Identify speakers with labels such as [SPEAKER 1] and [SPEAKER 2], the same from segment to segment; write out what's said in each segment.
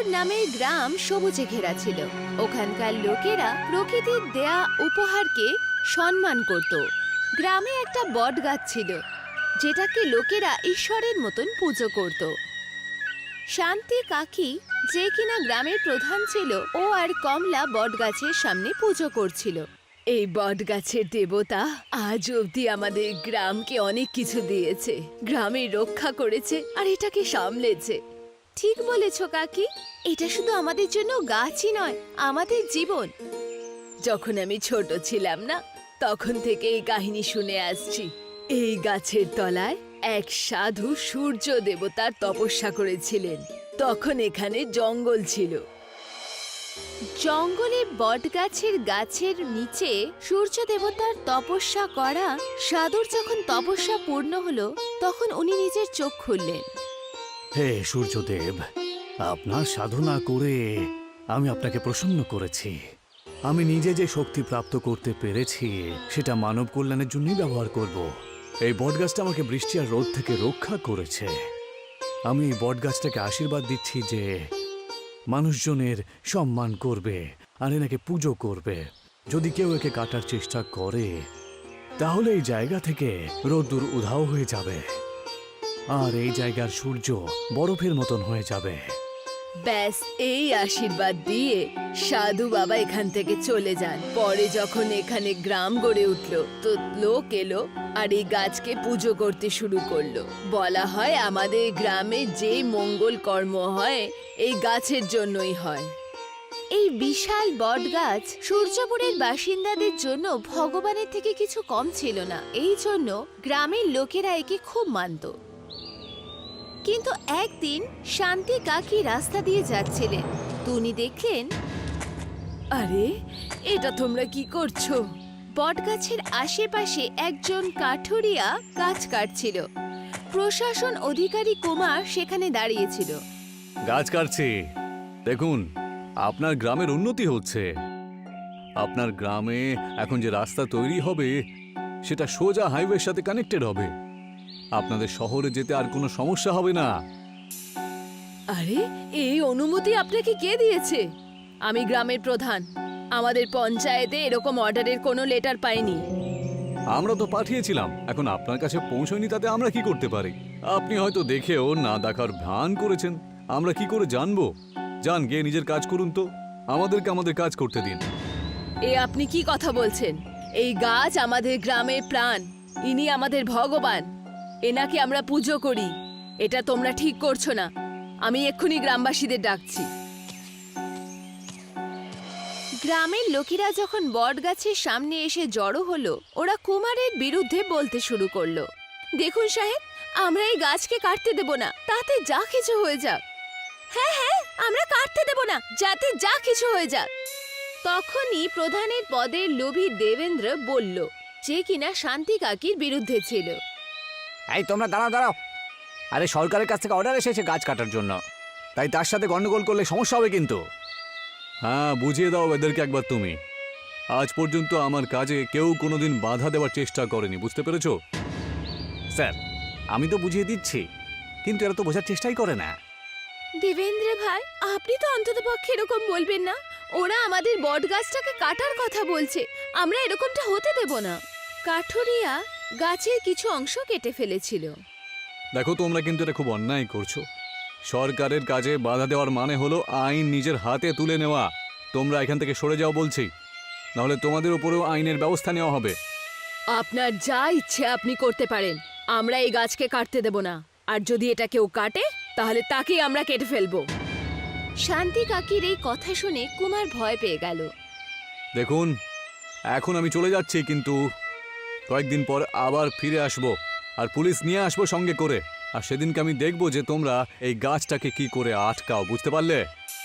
[SPEAKER 1] নামের গ্রাম সবুজে ঘেরা ছিল। ওখানকার লোকেরা প্রকৃতির দেয়া উপহারকে সম্মান করত। গ্রামে একটা বট গাছ ছিল, যেটাকে লোকেরা ঈশ্বরের মতন পুজো করত। শান্তি কাকি, যে কিনা গ্রামের প্রধান ছিল, ও আর কমলা বট গাছের সামনে পুজো করছিল। এই বট গাছের দেবতা আজ অবধি আমাদের গ্রামকে অনেক কিছু দিয়েছে, গ্রামের রক্ষা করেছে আর এটাকে সামলেছে। ঠিক বলেছ কাকি, এটা শুধু আমাদের জন্য গাছই নয়, আমাদের জীবন। যখন আমি ছোট ছিলাম না, তখন থেকে এই কাহিনী শুনে আসছি। এই গাছের তলায় এক সাধু সূর্য দেবতার তপস্যা করেছিলেন। তখন এখানে জঙ্গল ছিল। জঙ্গলে বটগাছের গাছের নিচে সূর্য দেবতার তপস্যা করা সাধুর যখন তপস্যা পূর্ণ হলো, তখন উনি নিজের চোখ খুললেন।
[SPEAKER 2] হে সূর্যদেব, আপনার সাধনা করে আমি আপনাকে প্রসন্ন করেছি। আমি নিজে যে শক্তি প্রাপ্ত করতে পেরেছি সেটা মানব কল্যাণের জন্যই ব্যবহার করব। এই বটগাছটা আমাকে বৃষ্টি আর রোদ থেকে রক্ষা করেছে। আমি এই বটগাছটাকে আশীর্বাদ দিচ্ছি যে মানুষজনের সম্মান করবে আর এনাকে পুজো করবে। যদি কেউ একে কাটার চেষ্টা করে, তাহলে এই জায়গা থেকে রোদ্দুর উধাও হয়ে যাবে আর এই জায়গার সূর্য বরফের মতন হয়ে যাবে।
[SPEAKER 1] ব্যাস, এই আশীর্বাদ দিয়ে সাধু বাবা এখান থেকে চলে যান। পরে যখন এখানে গ্রাম গড়ে উঠলো, তো লোক এলো আর এই গাছকে পুজো করতে শুরু করলো। বলা হয় আমাদের গ্রামে যে মঙ্গল কর্ম হয় এই গাছের জন্যই হয়। এই বিশাল বট গাছ সূর্যপুরের বাসিন্দাদের জন্য ভগবানের থেকে কিছু কম ছিল না। এই জন্য গ্রামের লোকেরা একে খুব মানত। কিন্তু একদিন শান্তি কাকি রাস্তা দিয়ে যাচ্ছিলেন, তো উনি দেখলেন, আরে এটা তোমরা কি করছো? বটগাছের আশেপাশে একজন কাঠুরিয়া গাছ কাটছিল। প্রশাসন অধিকারী কুমার সেখানে দাঁড়িয়েছিল।
[SPEAKER 2] গাছ কাটছি, দেখুন আপনার গ্রামের উন্নতি হচ্ছে। আপনার গ্রামে এখন যে রাস্তা তৈরি হবে সেটা সোজা হাইওয়ের সাথে কানেক্টেড হবে। আপনাদের শহরে যেতে আর কোনো সমস্যা হবে না।
[SPEAKER 1] আরে, এই অনুমতি আপনাকে কে দিয়েছে? আমি গ্রামের প্রধান, আমাদের পঞ্চায়েতে এরকম অর্ডারের কোনো লেটার পাইনি।
[SPEAKER 2] আমরা তো পাঠিয়েছিলাম, এখন আপনার কাছে পৌঁছয়নি, তাতে আমরা কি করতে পারি? আপনি হয়তো দেখেও না দেখার ভান করেছেন, আমরা কি করে জানবো? যান গিয়ে নিজের কাজ করুন তো, আমাদেরকে আমাদের কাজ করতে দিন।
[SPEAKER 1] এ আপনি কি কথা বলছেন? এই গাছ আমাদের গ্রামের প্রাণ, ইনি আমাদের ভগবান, এনাকে আমরা পুজো করি। এটা তোমরা ঠিক করছো না। আমি এক্ষুনি গ্রামবাসীদের ডাকছি। গ্রামের লোকেরা যখন বটগাছের সামনে এসে জড়ো হলো, ওরা কুমারের বিরুদ্ধে বলতে শুরু করলো, দেখুন সাহেব, আমরা এই গাছকে কাটতে দেব না, তাতে যা কিছু হয়ে যাক। হ্যাঁ হ্যাঁ, আমরা কাটতে দেব না, যাতে যা কিছু হয়ে যাক। তখনই প্রধানের পদের লোভী দেবেন্দ্র বলল, যে কিনা শান্তি কাকির বিরুদ্ধে ছিল।
[SPEAKER 3] এই তোমরা দাঁড়াও দাঁড়াও, আরে সরকারের কাছ থেকে অর্ডার এসেছে গাছ কাটার জন্য, তাই তার সাথে গন্ডগোল করলে সমস্যা হবে কিন্তু।
[SPEAKER 2] হ্যাঁ, বুঝিয়ে দাও এদেরকে একবার তুমি। আজ পর্যন্ত আমার কাজে কেউ কোনোদিন বাধা দেওয়ার চেষ্টা করেনি, বুঝতে পেরেছো?
[SPEAKER 3] স্যার, আমি তো বুঝিয়ে দিচ্ছি, কিন্তু এরা তো বোঝার চেষ্টাই করে না।
[SPEAKER 1] দেবেন্দ্র ভাই, আপনি তো অন্তত পক্ষে এরকম বলবেন না। ওরা আমাদের বট গাছটাকে কাটার কথা বলছে, আমরা এরকমটা হতে দেব না। কাঠুরিয়া গাছের কিছু অংশ কেটে ফেলেছিল।
[SPEAKER 2] দেখো, তোমরা কিন্তু এটা খুব অন্যায় করছো। সরকারের কাজে বাধা দেওয়ার মানে হলো আইন নিজের হাতে তুলে নেওয়া। তোমরা এখান থেকে সরে যাও বলছি, নাহলে তোমাদের উপরেও আইনের ব্যবস্থা নেওয়া হবে।
[SPEAKER 1] আপনার যা ইচ্ছে আপনি করতে পারেন, আমরা এই গাছকে কাটতে দেব না। আর যদি এটা কেউ কাটে, তাহলে তাকেই আমরা কেটে ফেলবো। শান্তি কাকির এই কথা শুনে কুমার ভয় পেয়ে গেল।
[SPEAKER 2] দেখুন, এখন আমি চলে যাচ্ছি, কিন্তু কয়েকদিন পর আবার ফিরে আসব আর পুলিশ নিয়ে আসবো সঙ্গে করে। আর সেদিনকে আমি দেখব যে তোমরা এই গাছটাকে কি করে আটকাও, বুঝতে পারলে?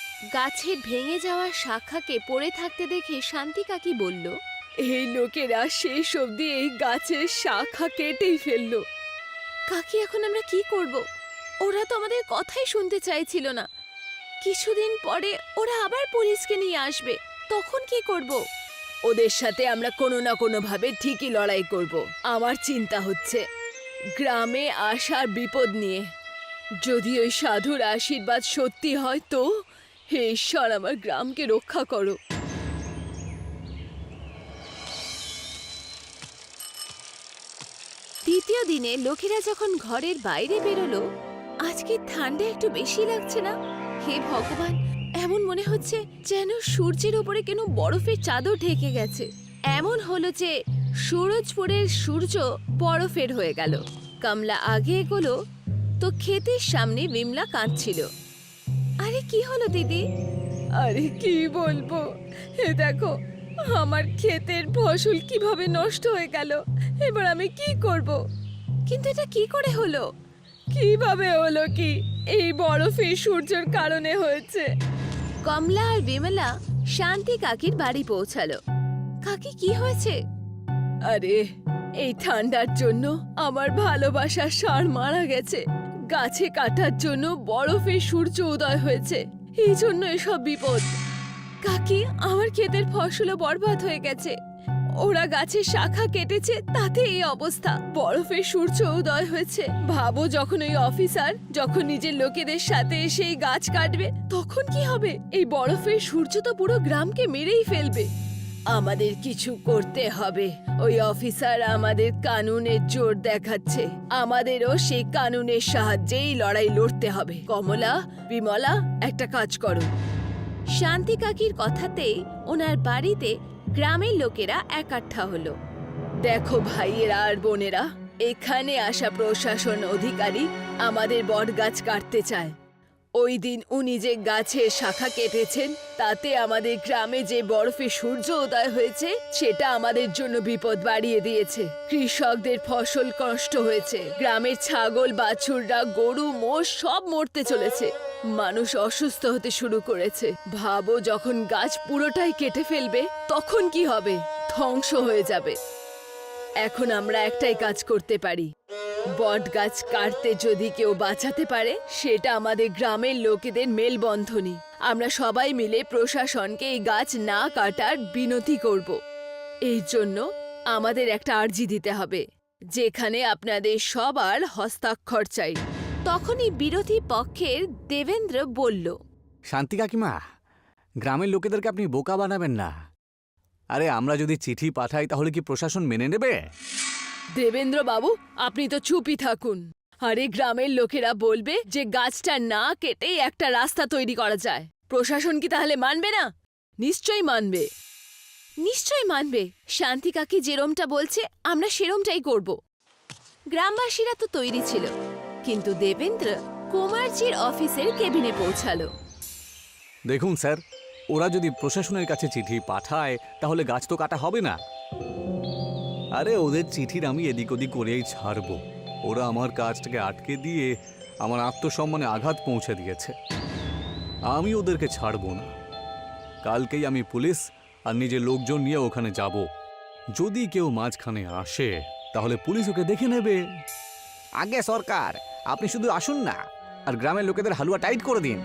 [SPEAKER 1] গাছের ভেঙে যাওয়া শাখাকে পড়ে থাকতে দেখে শান্তি কাকি বলল, এই লোকেরা শেষ অবধি এই গাছের শাখা কেটেই ফেললো। কাকি, এখন আমরা কি করব? ওরা তো আমাদের কথাই শুনতে চাইছিল না। কিছুদিন পরে ওরা আবার পুলিশকে নিয়ে আসবে, তখন কি করব? ওদের সাথে আমরা কোনো না কোনো ভাবে ঠিকই লড়াই করব। আমার চিন্তা হচ্ছে গ্রামে আসার বিপদ নিয়ে। যদি ওই সাধুর আশীর্বাদ সত্যি হয়, তো হে ঈশ্বর, আমার গ্রামকে রক্ষা করো। দ্বিতীয় দিনে লোকেরা যখন ঘরের বাইরে বেরোলো, আজকে ঠান্ডা একটু বেশি লাগছে না? হে ভগবান, এমন মনে হচ্ছে যেন সূর্যের উপরে কেন বরফের চাদর ঢেকে গেছে। এমন হলো যে সুরজপুরের সূর্য বরফের হয়ে গেল। কমলা আগে এগোলো তো ক্ষেতের সামনে বিমলা কাঁদছিল। আরে কি হলো দিদি? আরে কি বলবো, হে দেখো আমার ক্ষেতের ফসল কিভাবে নষ্ট হয়ে গেল। এবার আমি কি করব? কিন্তু এটা কি করে হলো? কিভাবে হলো কি? এই বরফের সূর্যের কারণে হয়েছে। কমলা আর বিমলা শান্তি কাকির বাড়ি পৌঁছালো। কাকি, কি হয়েছে? আরে এই ঠান্ডার জন্য আমার ভালোবাসার ষাঁড় মারা গেছে। গাছে কাটার জন্য বরফে সূর্য উদয় হয়েছে, এই জন্য এসব বিপদ। কাকি, আমার ক্ষেতের ফসলও বরবাদ হয়ে গেছে। ওরা গাছের শাখা কেটেছে, তাতে এই অবস্থা। বরফে সূর্য উদয় হয়েছে। ভাবো, যখন ওই অফিসার যখন নিজের লোকেদের সাথে এসে এই গাছ কাটবে, তখন কি হবে? এই বরফের সূর্য তো পুরো গ্রামকে মেরেই ফেলবে। আমাদের কিছু করতে হবে। ওই অফিসার আমাদের কানুনের জোর দেখাচ্ছে, আমাদেরও সেই কানুনের সাহায্যেই লড়াই লড়তে হবে। কমলা, বিমলা, একটা কাজ করো। শান্তি কাকির কথাতেই ওনার বাড়িতে গ্রামের লোকেরা একাঠা হলো। দেখো ভাইয়েরা আর বোনেরা, এখানে আসা প্রশাসন অধিকারী আমাদের বটগাছ কাটতে চায়। ওই দিন উনি যে গাছের শাখা কেটেছেন, তাতে আমাদের গ্রামে যে বরফে সূর্য উদয় হয়েছে, সেটা আমাদের জন্য বিপদ বাড়িয়ে দিয়েছে। কৃষকদের ফসল নষ্ট হয়েছে। গ্রামের ছাগল, বাছুররা, গরু, মোষ সব মরতে চলেছে। মানুষ অসুস্থ হতে শুরু করেছে। ভাবো, যখন গাছ পুরোটাই কেটে ফেলবে, তখন কি হবে? ধ্বংস হয়ে যাবে। এখন আমরা একটাই কাজ করতে পারি। বট গাছ কাটতে যদি কেউ বাঁচাতে পারে, সেটা আমাদের গ্রামের লোকেদের মেলবন্ধনী। আমরা সবাই মিলে প্রশাসনকে এই গাছ না কাটার বিনতি করব। এর জন্য আমাদের একটা আর্জি দিতে হবে, যেখানে আপনাদের সবার হস্তাক্ষর চাই। তখনই বিরোধী পক্ষের দেবেন্দ্র বলল,
[SPEAKER 3] শান্তি কাকিমা, গ্রামের লোকেদেরকে আপনি বোকা বানাবেন না। আরে আমরা যদি চিঠি পাঠাই, তাহলে কি প্রশাসন মেনে নেবে?
[SPEAKER 1] দেবেন্দ্র বাবু, আপনি তো চুপই থাকুন। আরে গ্রামের লোকেরা বলবে যে গাছটা না কেটেই একটা রাস্তা তৈরি করা যায়। প্রশাসন কি তাহলে মানবে না? নিশ্চয়ই মানবে, নিশ্চয়ই মানবে। শান্তি কাকি যেরমটা বলছে, আমরা সেরমটাই করব। গ্রামবাসীরা তো তৈরি ছিল, কিন্তু দেবেন্দ্র কুমারজির অফিসের কেবিনে পৌঁছালো।
[SPEAKER 3] দেখুন স্যার, ওরা যদি প্রশাসনের কাছে চিঠি পাঠায়, তাহলে গাছ তো কাটা হবে না। আরে ওদের চিঠির আমি এদিক ওদিক করেই ছাড়বো। ওরা আমার কাজটাকে আটকে দিয়ে আমার আত্মসম্মানে আঘাত পৌঁছে দিয়েছে। আমি ওদেরকে ছাড়বো না। কালকেই আমি পুলিশ আর নিজের লোকজন নিয়ে ওখানে যাব। যদি কেউ মাঝখানে আসে, তাহলে পুলিশ ওকে দেখে নেবে। আগে সরকার, আপনি শুধু আসুন না আর গ্রামের লোকেদের হালুয়া টাইট করে দিন।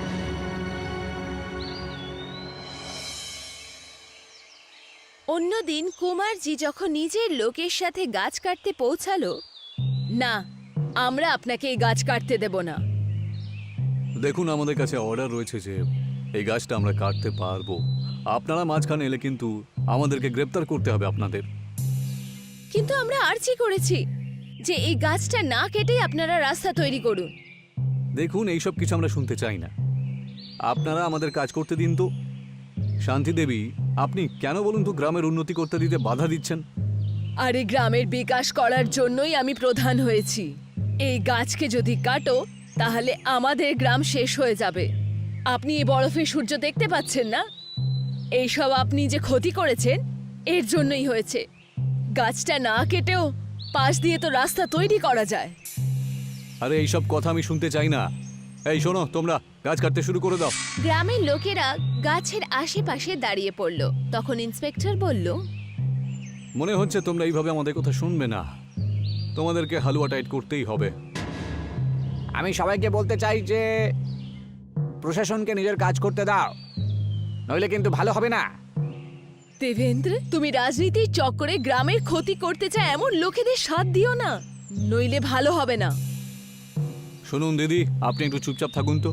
[SPEAKER 1] অন্যদিন কুমারজি যখন নিজের লোকের সাথে গাছ কাটতে পৌঁছালো, না, আমরা আপনাকে এই গাছ কাটতে দেব না।
[SPEAKER 2] দেখুন, আমাদের কাছে অর্ডার রয়েছে যে এই গাছটা আমরা কাটতে পারবো। আপনারা মাঝখানে এলে কিন্তু আমাদেরকে গ্রেপ্তার করতে হবে আপনাদের।
[SPEAKER 1] কিন্তু আমরা আর্জি করেছি যে এই গাছটা না কেটেই আপনারা রাস্তা তৈরি করুন।
[SPEAKER 2] দেখুন, এইসব কিছু আমরা শুনতে চাই না। আপনারা আমাদের কাজ করতে দিন তো। শান্তি দেবী, আপনি কেন বলুন তো গ্রামের উন্নতি করতে দিতে বাধা দিচ্ছেন?
[SPEAKER 1] আরে গ্রামের বিকাশ করার জন্যই আমি প্রধান হয়েছি। এই গাছকে যদি কাটো, তাহলে আমাদের গ্রাম শেষ হয়ে যাবে। আপনি এই বরফে সূর্য দেখতে পাচ্ছেন না? এইসব আপনি যে ক্ষতি করেছেন, এর জন্যই হয়েছে। গাছটা না কেটেও পাশ দিয়ে তো রাস্তা তৈরি করা যায়।
[SPEAKER 2] আরে এইসব কথা আমি শুনতে চাই না। এই শোনো, তোমরা গাছ কাটতে শুরু করে দাও।
[SPEAKER 1] গ্রামের লোকেরা গাছের আশেপাশে দাঁড়িয়ে পড়ল। তখন ইন্সপেক্টর বলল,
[SPEAKER 2] মনে হচ্ছে তোমরা এইভাবে আমাদের কথা শুনবে না। তোমাদেরকে হালুয়া টাইট করতেই হবে।
[SPEAKER 3] আমি সবাইকে বলতে চাই যে প্রশাসনকে নিজের কাজ করতে দাও, নইলে কিন্তু ভালো হবে না।
[SPEAKER 1] দেবেন্দ্র, তুমি রাজনীতির চক্করে গ্রামের ক্ষতি করতে চায় এমন লোকেদের সাথ দিও না, নইলে ভালো হবে না।
[SPEAKER 2] শুনুন দিদি, আপনি একটু চুপচাপ থাকুন তো।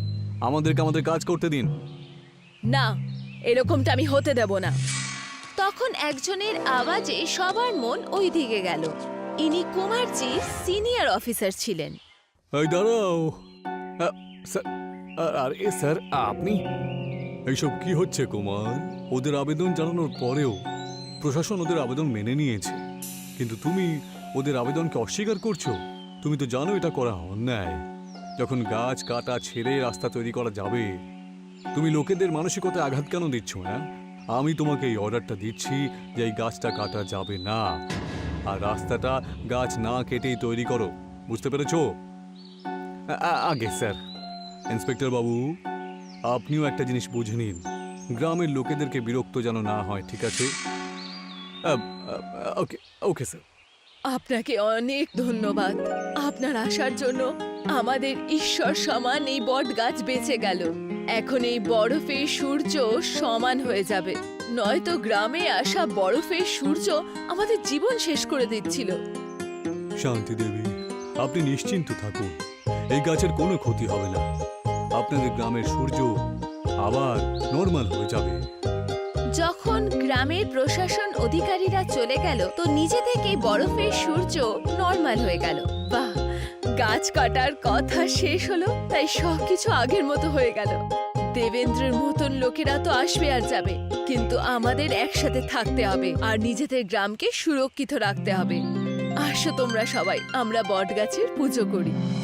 [SPEAKER 3] আমাদেরকে আমাদের কাজ করতে দিন।
[SPEAKER 1] না, এরকমটা আমি হতে দেব না। তখন একজনের আওয়াজে সবার মন ওই দিকে গেল। ইনি কুমারজির সিনিয়র অফিসার ছিলেন।
[SPEAKER 3] এই দাঁড়াও। স্যার, আরে স্যার, আপনি এইসব কি হচ্ছে কুমার? ওদের আবেদন জানানোর পরেও প্রশাসন ওদের আবেদন মেনে নিয়েছে, কিন্তু তুমি ওদের আবেদনকে অস্বীকার করছো। তুমি তো জানো এটা করা অন্যায়। যখন গাছ কাটা ছেড়ে রাস্তা তৈরি করা যাবে, তুমি লোকেদের মানসিকতায় আঘাত কেন দিচ্ছ? হ্যাঁ, আমি তোমাকে এই অর্ডারটা দিচ্ছি যে এই গাছটা কাটা যাবে না, আর রাস্তাটা গাছ না কেটেই তৈরি করো। বুঝতে পেরেছো? আগে স্যার, ইন্সপেক্টর বাবু, আপনিও একটা জিনিস বুঝে নিন, গ্রামের লোকেদেরকে বিরক্ত যেন না হয়, ঠিক আছে? Okay okay sir.
[SPEAKER 1] আপনাকে অনেক ধন্যবাদ। আপনার আসার জন্য আমাদের ঈশ্বর সমান এই বট গাছ বেঁচে গেল। এখন এই বরফের সূর্য সমান হয়ে যাবে, নয়তো গ্রামে আসা বরফের সূর্য আমাদের জীবন শেষ করে দিচ্ছিল।
[SPEAKER 3] শান্তি দেবী, আপনি নিশ্চিন্ত থাকুন, এই গাছের কোনো ক্ষতি হবে না। আপনাদের গ্রামের সূর্য আবার নর্মাল হয়ে যাবে।
[SPEAKER 1] যখন গ্রামের প্রশাসন অধিকারীরা চলে গেল, তো নিজে থেকেই বরফের সূর্য নর্মাল হয়ে গেল। বাহ, গাছ কাটার কথা শেষ হলো, তাই সবকিছু আগের মতো হয়ে গেল। দেবেন্দ্রের মতন লোকেরা তো আসবে আর যাবে, কিন্তু আমাদের একসাথে থাকতে হবে আর নিজেদের গ্রামকে সুরক্ষিত রাখতে হবে। আসো তোমরা সবাই, আমরা বট গাছের পুজো করি।